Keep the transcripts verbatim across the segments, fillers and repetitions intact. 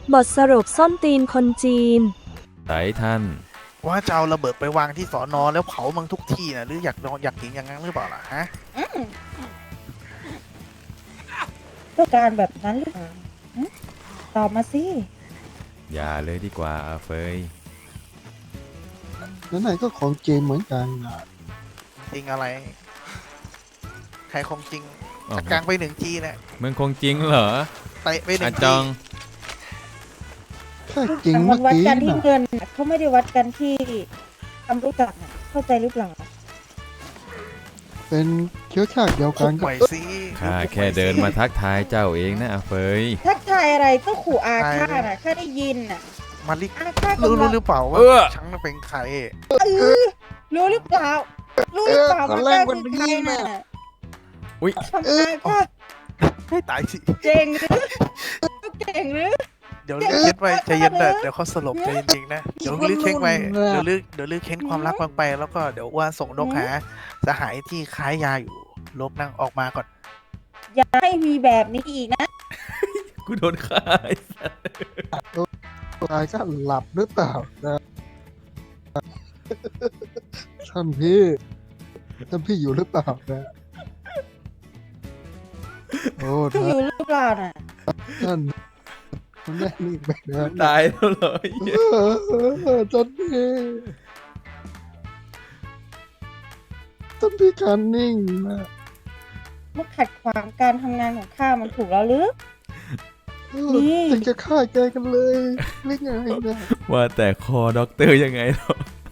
บทสรุปส้นตีนคนจีนไหนท่านว่าจะเอาระเบิดไปวางที่สอนอแล้วเผามึงทุกที่นะหรืออยากนอนอยากกินอย่างนั้นหรือเปล่าล่ะฮะต้องการแบบนั้นหรือเปล่าตอบมาสิอย่าเลยดีกว่าอาเฟยนั่นไหนก็ของจริงเหมือนกันนะจริงอะไรใครคงจริงจัดกลางไปหนึ่งทีนะมึงคงจริงเหรอเตะไปหนึ่งทีจองแค่จริงมัเมื่อวัดกี้กันที่นะเงินเขาไม่ได้วัดกันที่ความรู้จักเข้าใจหรือเปล่าเป็นเชื้อชาติเดียวกันก็ไปสิข้าแค่เดินมาทักทายเจ้าเองนะอาเฟยทักทายอะไรก็ขู่อาฆาตอ่ะข้าได้ยินอ่ะมาลิกอาฆาตรู้รู้หรือเปล่าว่าฉันเป็นใครรู้หรือเปล่ารู้หรือเปล่าว่าแกคือใครน่ะอุ้ยทำไมค่ะให้ตายสิเก่งหรือเก่งหรือเดี๋ยวเลือกไปใจเย็นนะเดี๋ยวเขาสลบใจจริงๆนะเดี๋ยวเลือกเค้นไปเดี๋ยวเลือกเดี๋ยวเลือกเค้นความรักบางไปแล้วก็เดี๋ยวว่าส่งนกหาสหายที่ค้ายาอยู่ลบนั่งออกมาก่อนอย่าให้มีแบบนี้อีกนะกูโดนฆ่าตายก็หลับหรือเปล่านะท่านพี่ท่านพี่อยู่หรือเปล่านะโอ้ท่านอยู่หรือเปล่าน่ะท่านท่านแม่นี่ไปนะตายแล้วเหรอท่านพี่ท่านพี่การนิ่งนะมาขัดขวางการทำงานของข้ามันถูกแล้วหรือนี่จะฆ่าแกกันเลยไม่ไงนะว่าแต่คอด็อกเตอร์ยังไงหรอ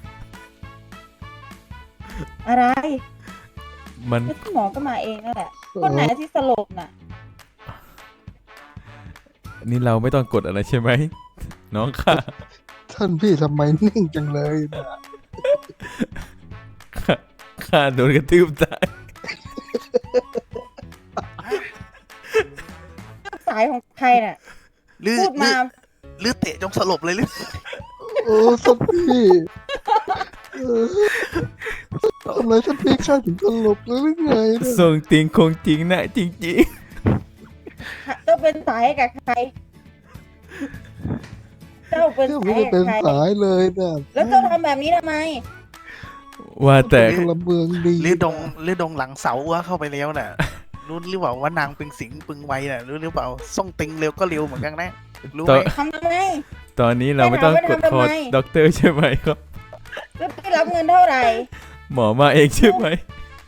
อะไรมันหมอก็มาเองนั่นแหละคนไหนที่สลบน่ะนี่เราไม่ต้องกดอะไรใช่ไหมน้องค่ะท่านพี่ทำไมนิ่งจังเลยนะข้าโดนกระทืบตายสายของใครน่ะพูดมาหรือเตะจงสลบเลยหรือโอ้ท่านพี่ทำไมท่านพี่ข้าถึงสลบหรือไงส่งติงคงจริงนะจริงๆเจ้าเป็นสายกับใครเจ้าเป็นสายเป็นสายเลยนะแล้วเจ้าทำแบบนี้ทำไมว่าแต่ละเมืองดีหรือดงหรือดงหลังเสาว่าเข้าไปแล้วน่ะรู้หรือเปล่าว่านางเป็นสิงปึงไวน่ะรู้หรือเปล่าส่งติงเร็วก็เร็วเหมือนกันนะรู้ไหมทำทำไมตอนนี้เราไม่ต้องกดคอด็อกเตอร์ใช่ไหมครับแล้วได้รับเงินเท่าไหร่หมอมาเองใช่ไหม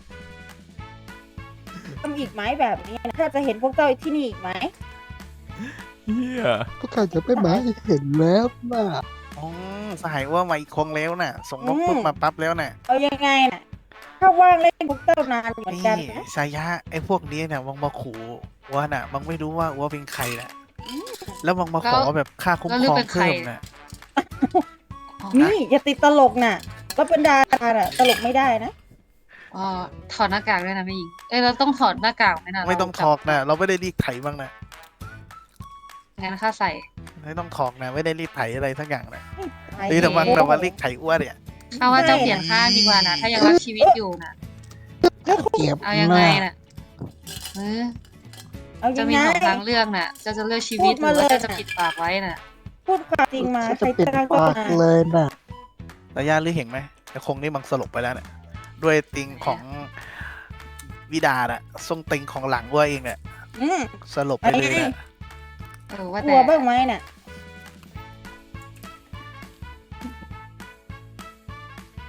ทำอีกไหมแบบนี้ถ้าจะเห็นพวกเจ้าที่นี่อีกไหมเฮียพวกข้าจะไปหมายเห็นแล้วนะอ๋อสหายว่ามาอีกคงแล้วน่ะส่งนกปุ๊บมาปั๊บแล้วน่ะเอายังไงน่ะถ้าว่างเล่นพวกเจ้านานเหมือนกันนะสายะไอ้พวกนี้น่ะมังมาขู่ว่าน่ะมังไม่รู้ว่าว่าเป็นใครน่ะแล้วมังมาขอแบบค่าคุ้มครองเพิ่มน่ะนี่อย่าติดตลกน่ะก็เป็นดาราน่ะตลกไม่ได้นะอ๋อถอดหน้ากากด้วยนะแม่หญิงเอ้ยเราต้องถอดหน้ากากไหมนะไม่ต้องถอดนะเราไม่ได้รีดไถบ้างนะงั้นข้าใส่ไม่ต้องถอดนะไม่ได้รีดไถอะไรทั้งอย่างนะนี่แต่ว่าแต่ว่ารีดไถอ้วนเนี่ยเอาว่าเจ้าเปลี่ยนข้างดีกว่านะถ้ายังรักชีวิตอยู่นะเอายังไงน่ะเออจะมีสองทางเลือกน่ะจะจะเลือกชีวิตหรือว่าจะปิดปากไว้น่ะพูดความจริงมาใครจะกล้าก็มาเลยน่ะแต่ย่าลือเห็นไหมแต่คงนี่มันสลบไปแล้วเนี่ยด้วยติงของวิดาน่ะทรงติงของหลังว่าเองเนี่ยสลบไปเลยนะกลัวบ้างไหมเนี่ย